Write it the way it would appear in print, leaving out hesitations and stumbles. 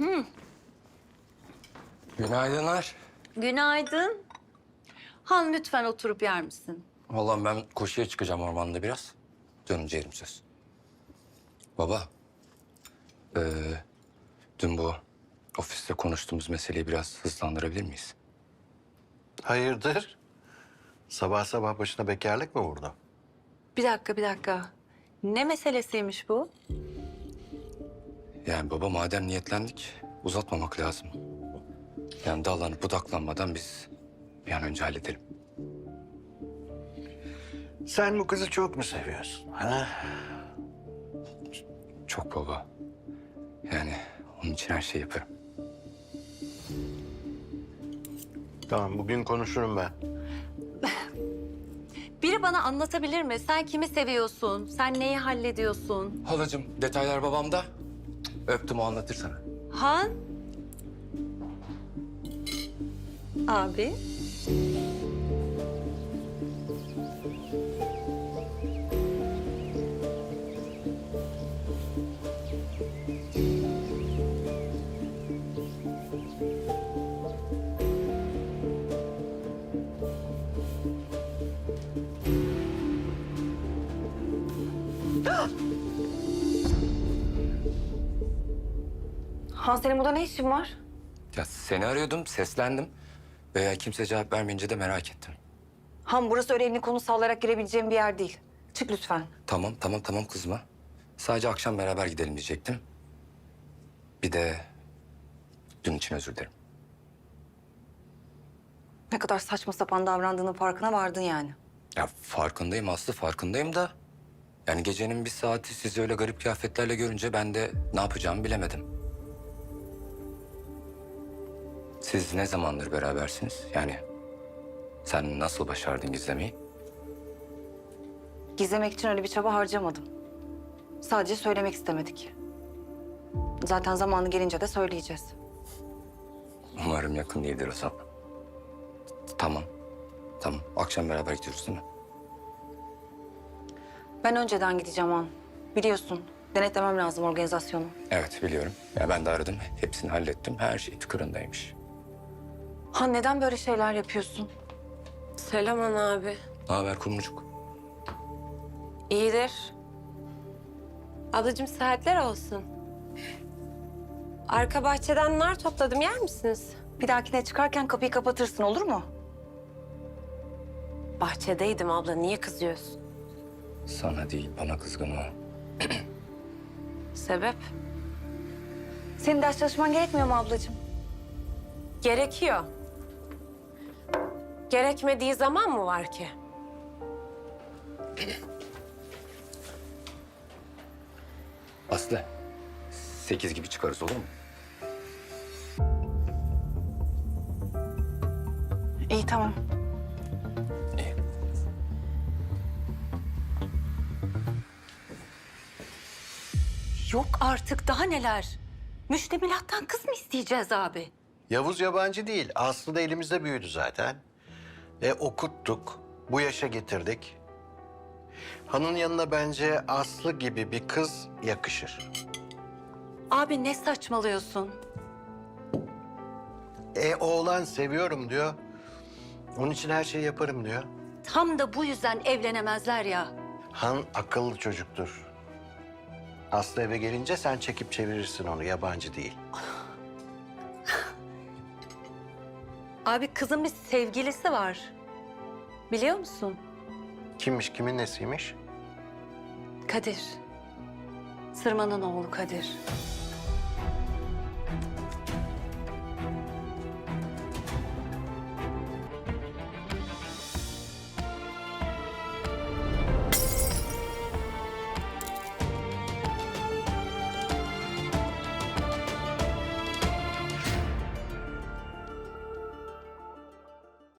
Günaydınlar. Günaydın. Han lütfen oturup yer misin? Vallahi ben koşuya çıkacağım ormanda biraz. Dönünce yerim söz. Baba, dün bu ofiste konuştuğumuz meseleyi biraz hızlandırabilir miyiz? Hayırdır? Sabah sabah başına bekarlık mı vurdu? Bir dakika. Ne meselesiymiş bu? Yani baba madem niyetlendik uzatmamak lazım. Yani dallanıp budaklanmadan biz bir an önce halledelim. Sen bu kızı çok mu seviyorsun? Ha? Çok baba. Yani onun için her şeyi yaparım. Tamam, bugün konuşurum ben. Biri bana anlatabilir mi? Sen kimi seviyorsun? Sen neyi hallediyorsun? Halacığım detaylar babamda. Öptüm o anlatır sana. Han? Abi? Han senin burada ne işin var? Ya seni arıyordum, seslendim. Veya kimse cevap vermeyince de merak ettim. Han burası öyle elini konu sallayarak girebileceğim bir yer değil. Çık lütfen. Tamam kızma. Sadece akşam beraber gidelim diyecektim. Bir de dün için özür dilerim. Ne kadar saçma sapan davrandığının farkına vardın yani. Ya farkındayım Aslı, farkındayım da... Yani gecenin bir saati sizi öyle garip kıyafetlerle görünce ben de ne yapacağımı bilemedim. Siz ne zamandır berabersiniz? Yani sen nasıl başardın gizlemeyi? Gizlemek için öyle bir çaba harcamadım. Sadece söylemek istemedik. Zaten zamanı gelince de söyleyeceğiz. Umarım yakın değildir o zaman. Tamam. Akşam beraber gidiyoruz değil mi? Ben önceden gideceğim Han. Biliyorsun, denetlemem lazım organizasyonu. Evet biliyorum. Ya ben de aradım. Hepsini hallettim. Her şey tıkırındaymış. Han neden böyle şeyler yapıyorsun? Selam ana abi. Ne haber kumrucuk? İyidir. Ablacığım saatler olsun. Arka bahçeden nar topladım, yer misiniz? Bir dahakine çıkarken kapıyı kapatırsın, olur mu? Bahçedeydim abla, niye kızıyorsun? Sana değil bana kızgın o. Sebep? Senin ders çalışman gerekmiyor mu ablacığım? Gerekiyor. Gerekmediği zaman mı var ki? Aslı 8 gibi çıkarız olur mu? İyi, tamam. İyi. Yok artık daha neler? Müştemilattan kız mı isteyeceğiz abi? Yavuz yabancı değil. Aslı da elimizde büyüdü zaten. Okuttuk. Bu yaşa getirdik. Han'ın yanına bence Aslı gibi bir kız yakışır. Abi ne saçmalıyorsun? Oğlan seviyorum diyor. Onun için her şeyi yaparım diyor. Tam da bu yüzden evlenemezler ya. Han akıllı çocuktur. Aslı eve gelince sen çekip çevirirsin onu, yabancı değil. Abi kızın bir sevgilisi var. Biliyor musun? Kimmiş, kimin nesiymiş? Kadir. Sırman'ın oğlu Kadir.